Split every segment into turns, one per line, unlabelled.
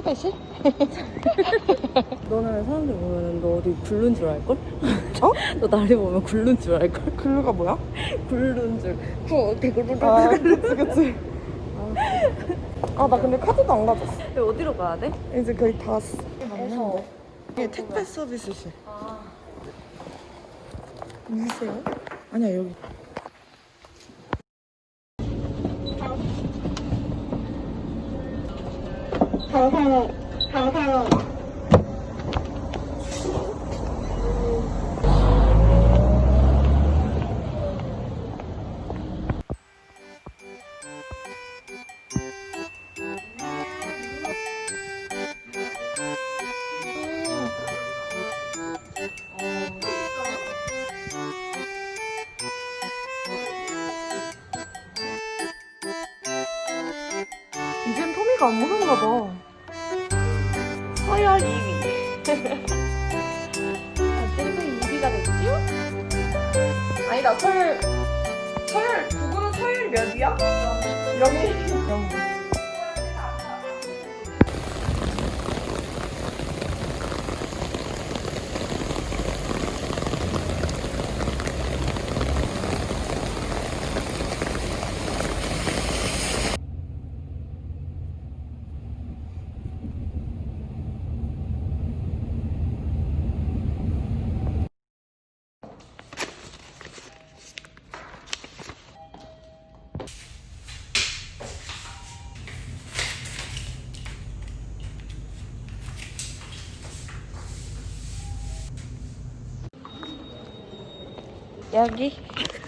택배실?
너는 사람들 보면 너 어디 굴른 줄 알걸?
어?
너 나를 보면 굴른 줄 알걸?
글루가 뭐야?
굴른 줄. 대굴굴굴.
아, 그치. 아, 나 근데 카드도 안 가졌어.
어디로 가야 돼?
이제 거의 다 왔어.
맞는데.
이게 택배 서비스실.
아.
여기세요? 아니야, 여기. 이젠 토미가 안 먹은가 봐.
서열 2위. 그래서 2위가 됐죠?
아니다, 서열, 누구는 서열 몇이야? 0위. 0위.
여기.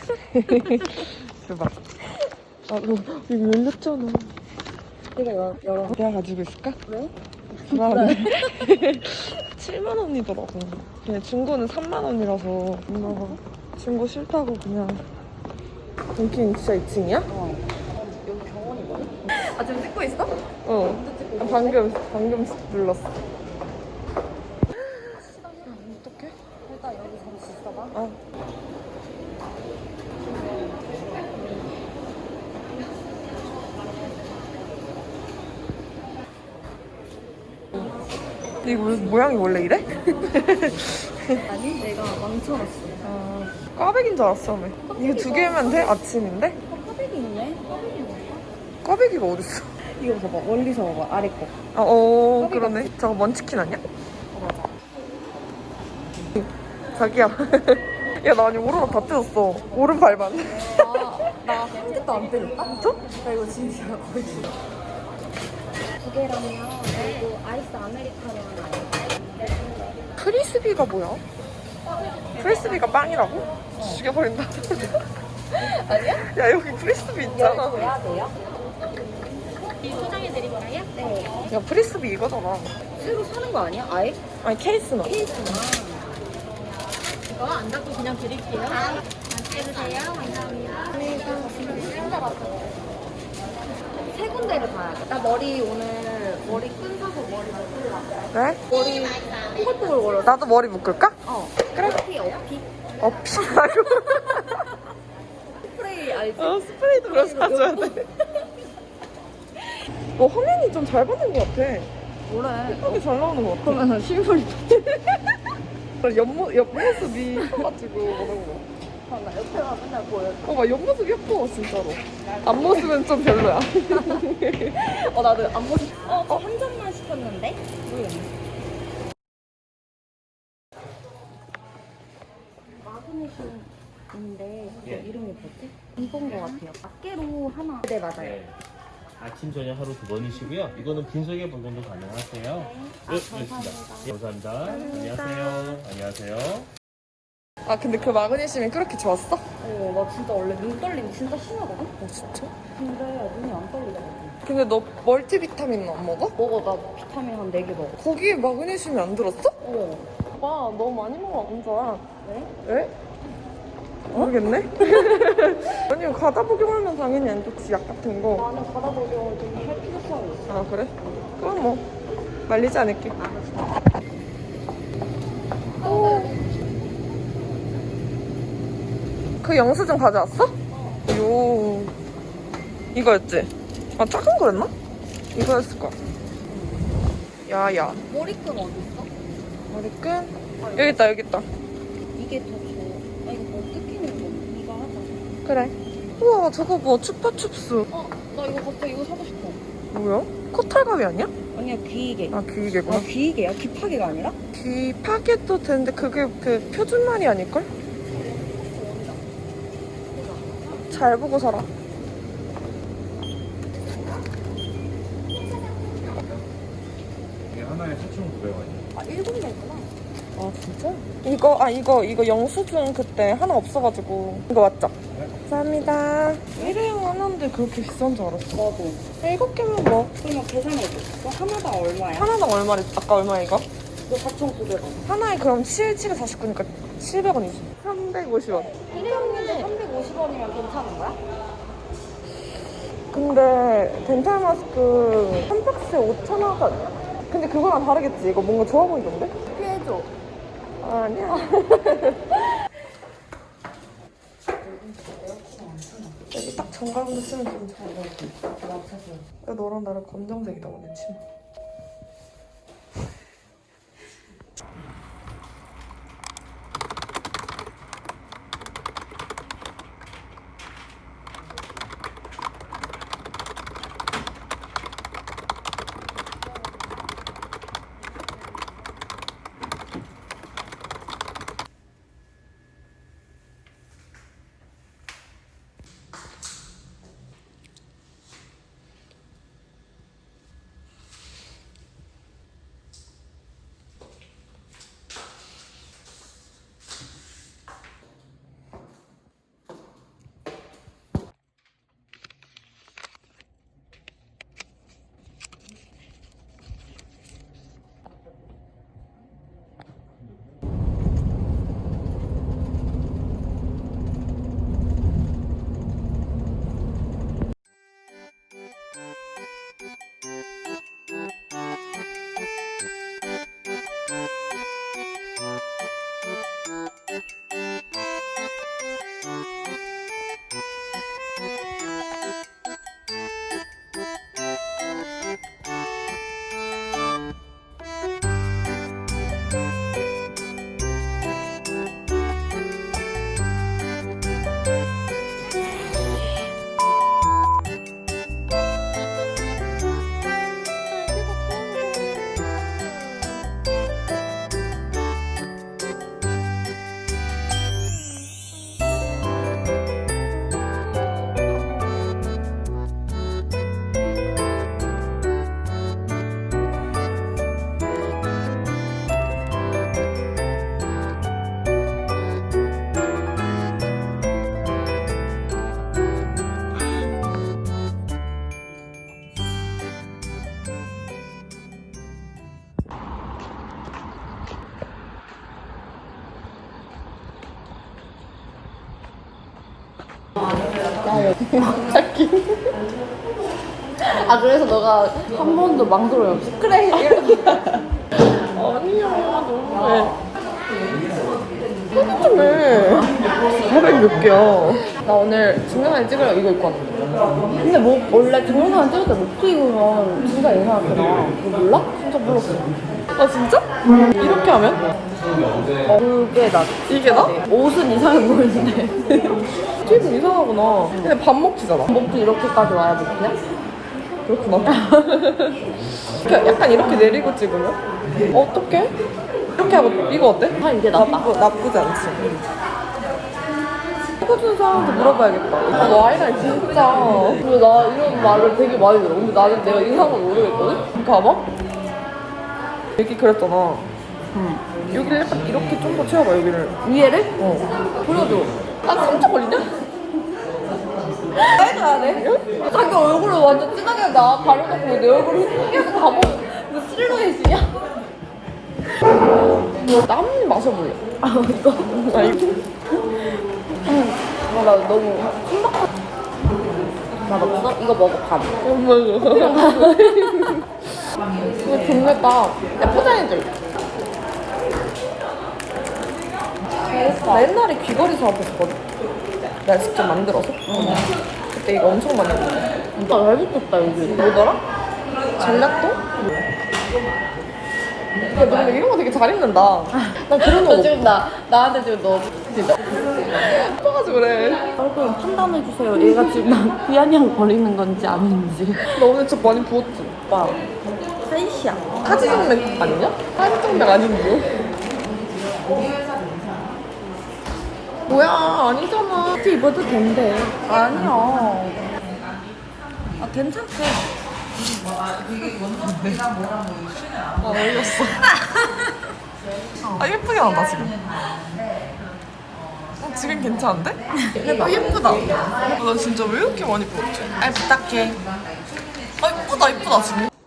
대박. 아, 너 이거 열렸잖아.
내가 열어.
내가 가지고 있을까?
왜?
불안해. 7만 원이더라고. 그냥 중고는 3만 원이라서 엄마가 중고 싫다고 그냥. 여긴 진짜 2층이야?
어. 여기 병원이거든? 아, 지금 찍고 있어?
어. 방금 눌렀어. 어떡해?
일단 여기 잠시 있어봐.
아. 이거 모양이 원래 이래?
아니, 내가 망쳐놨어.
아, 꽈배기인 줄 알았어, 처음에. 이거 2개면 돼? 아침인데?
꽈배기 있네? 꽈배기 뭐야?
꽈배기가 어딨어?
이거 봐봐. 멀리서 봐봐. 아래 거.
아,
꽈배기
그러네. 저거 먼치킨 아니야?
어, 맞아.
자기야. 야, 나 아니, 오르막 다 뜯었어. 오른 발만.
나 한 개도 안 때렸다?
진짜?
나 이거 진짜 거의 두 개라면 그리고 아이스 아메리카노 하나.
프리스비가 뭐야? 프리스비가 빵이라고? 죽여버린다.
아니야?
야, 여기 프리스비 있잖아.
돼야 돼요? 포장해드릴까요? 네.
야, 프리스비 이거잖아.
새로 사는 거 아니야? 아예?
아니, 케이스나.
케이스나. 이거 안 닫고 그냥 드릴게요. 맛있게 드세요. 감사합니다. 세 군데를 가야 돼. 나 머리 오늘 머리 끈 사서 머리 묶으려고.
네?
머리 뽀글뽀글.
나도 머리 묶을까?
어.
그래.
어피?
어피라고.
스프레이 알지?
스프레이도 그럼 사줘야 돼. 화면이 좀 잘 받는 것 같아.
뭐래?
예쁘게 잘 나오는 것 같아.
그러면 실물이
옆모습이 커가지고 그런 거.
나 옆에가 맨날 보여.
막 옆모습 예뻐, 진짜로. 앞모습은 좀 별로야.
나도 앞모습. 한 잔만 시켰는데? 마그네슘인데 그거 이름이 뭐지? 이건 거 같아요. 낱개로 하나. 네, 맞아요.
네. 아침 저녁 하루 2번이시고요. 이거는 빈속에 보관도 가능하세요. 네, 알겠습니다. 네, 감사합니다. 안녕하세요. 안녕하세요.
아, 근데 그 마그네슘이 그렇게 좋았어?
나 진짜 원래 눈 떨림 진짜 심하거든?
진짜?
근데 눈이 안 떨리더라고.
근데 너 멀티비타민은 안 먹어?
먹어, 나 비타민 한 4개 먹어.
거기에 마그네슘이 안 들었어?
어.
봐, 너무 많이 먹으면 안 좋아.
왜?
에? 모르겠네? 아니, 가다 복용하면 당연히 안 좋지, 약 같은 거.
나는 바다 보경을 좀 할 필요성이 있어.
아, 그래? 그럼 뭐 말리지 않을게. 그 영수증 가져왔어? 요 이거였지? 아, 작은 거였나? 이거였을 거야. 야야.
머리끈 어디 있어?
머리끈? 여기 있다 여기 있다.
이게 더 좋아. 아 이거 뭐 뜯기는 거. 이거 하자.
그래. 우와 저거 뭐 추파춥스.
나 이거 갑자기 이거 사고 싶어.
뭐야? 코털가위 아니야?
아니야 귀이개.
아 귀이개구나.
귀이개야? 귀파개가 아니라?
귀 파개도 되는데 그게 그 표준말이 아닐걸? 잘 보고 살아.
이게 하나에 4,900원이에요.
아 1군데구나.
아 진짜? 이거 영수증 그때 하나 없어가지고 이거 맞죠? 감사합니다. 일회용 하나인데 그렇게 비싼 줄 알았어.
나도.
7개면 뭐
그러면 계산해줘. 하나당 얼마야?
하나당 얼마래? 아까 얼마야 이거?
이거 4,900원.
하나에 그럼 7에 49니까 700원이지. 350원.
일회용인데 350원이면 괜찮은 거야?
근데 덴탈 마스크 한 박스에 5,000원 하지 않냐? 근데 그거랑 다르겠지? 이거 뭔가 좋아 보이던데?
피해줘.
아니야. 여기 딱 정갈운데 쓰면 좀 잘 어울려. 야, 너랑 나랑 검정색이다 오늘 치마.
아 그래서 너가 한 번도 망설임 없이 그래
아니야, 너무해. 너무해. 400 몇 개야. 나 오늘 증명사진 찍으려고 이거 입고 왔는데.
근데 뭐 원래 동영상 찍을 때 목도 입으면 진짜 이상하게 나와. 너 몰라? 진짜 몰랐어.
아, 진짜? 이렇게 하면?
그게 나
이게 나?
옷은 이상해 보이는데
기분 이상하구나. 근데 밥 먹지잖아.
목도 이렇게까지 와야 목이야?
그렇구나. 약간 이렇게 내리고 찍으면? 어떡해? 이렇게 하고 이거 어때?
아 이게 낫다.
나쁘지 않지. 찍어준 사람한테 물어봐야겠다. 아, 너 아이라인 진짜.
근데 나 이런 말을 되게 많이 들어. 근데 나는 내가 이상한 걸 모르겠거든?
봐봐. 여기 그랬잖아. 여기를 약간 이렇게 좀 더 채워봐, 여기를.
위에를?
어.
보여줘.
아, 3초 걸리냐?
해줘야 돼? 자기 얼굴을 완전 진하게 나 가려놓고 내 얼굴을 흑해서 다 보여. 뭐 실루엣이냐?
땀 마셔볼래.
아 또?
아, 이거.
나 너무 신박한. 맛없어? 이거 먹어 밥.
엄마. 이거 좋겠다. 야, 포장해줘. 나 옛날에 귀걸이 사업했었거든. 내가 직접 만들어서. 그때 이거 엄청 많이 했는데.
진짜 잘 붙었다 여기.
뭐더라? 젤라또? 야, 너 근데 이런 거 되게 잘 입는다. 나 그런 거
너 지금 나한테 지금 너 진짜
예뻐가지고 그래.
얼굴 판단해주세요. 얘가 지금 나 비아냥 거리는 건지 아닌지.
너 오늘 진짜 많이 부었지?
오빠 사이시야.
하지정맥 아니냐? 하지정맥 아닌데? 뭐야, 아니잖아.
이렇게 입어도 된대. 아니야. 아 괜찮대.
아, 어이없어. 아, 예쁘게 나온다, 지금. 지금 괜찮은데? 아, 예쁘다. 나 진짜 왜 이렇게 많이 부었지? 아, 부탁해. 아, 예쁘다, 예쁘다, 지금.